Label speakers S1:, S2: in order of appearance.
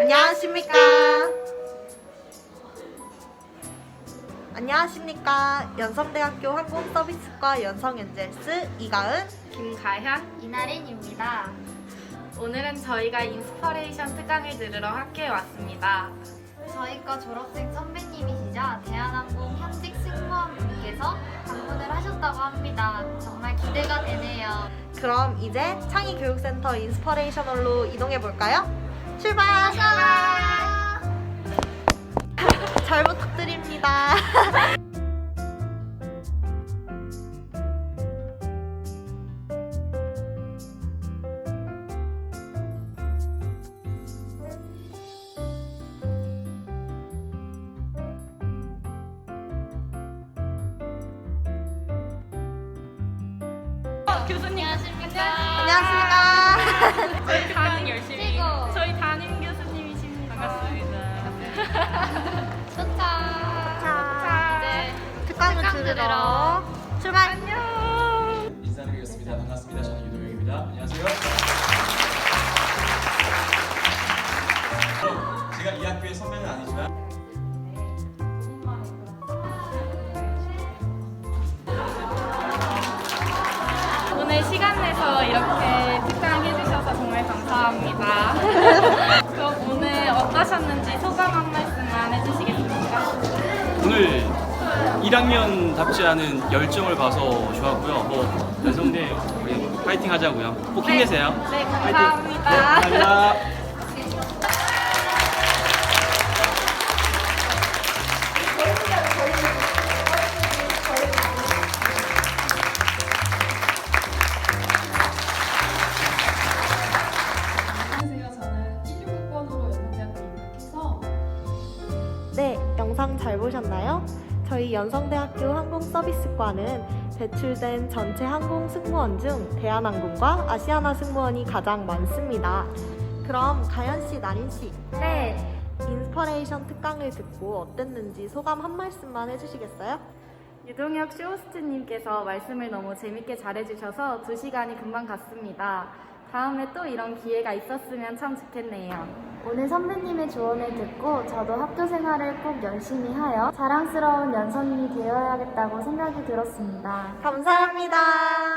S1: 안녕하십니까. 안녕하십니까. 연성대학교 항공서비스과 연성엔젤스 이가은,
S2: 김가현,
S3: 이나린입니다.
S2: 오늘은 저희가 인스퍼레이션 특강을 들으러 학교에 왔습니다.
S3: 저희과 졸업생 선배님이시자 대한항공 현직 승무원분께서 방문을 하셨다고 합니다. 정말 기대가 되네요.
S1: 그럼 이제 창의교육센터 인스퍼레이션홀로 이동해볼까요? 출발! 잘 부탁드립니다.
S2: 교수님
S1: 안녕하십니까.
S2: 저희 담임 열심히
S3: 최고.
S2: 저희 담임 교수님이십니다. 반갑습니다.
S1: 자,
S2: 이제
S1: 특강을
S3: 특강
S1: 들으러
S3: 들으러
S1: 출발!
S2: 안녕.
S4: 인사드리겠습니다. 반갑습니다. 저는 유도영입니다. 안녕하세요. 제가 이 학교의 선배는 아니지만
S2: 오늘 시간 내서 이렇게 특강 해주셔서 정말 감사합니다. 그럼 오늘 어떠셨는지 소감 한 말씀만 해주시겠습니까?
S4: 오늘 1학년답지 않은 열정을 봐서 좋았고요. 연성대 우리 파이팅 하자고요. 꼭 힘내세요.
S2: 네,
S4: 파이팅.
S2: 감사합니다.
S4: 네, 감사합니다.
S5: 안녕하세요. 저는 169번으로 연성대학교에 입학해서
S1: 네, 영상 잘 보셨나요? 저희 연성대학교 항공서비스과는 배출된 전체 항공 승무원 중 대한항공과 아시아나 승무원이 가장 많습니다. 그럼 가연씨, 나린씨,
S3: 네,
S1: 인스퍼레이션 특강을 듣고 어땠는지 소감 한 말씀만 해주시겠어요?
S2: 유동혁 쇼호스트님께서 말씀을 너무 재밌게 잘해주셔서 2시간이 금방 갔습니다. 다음에 또 이런 기회가 있었으면 참 좋겠네요.
S3: 오늘 선배님의 조언을 듣고 저도 학교 생활을 꼭 열심히 하여 자랑스러운 연선인이 되어야겠다고 생각이 들었습니다.
S1: 감사합니다.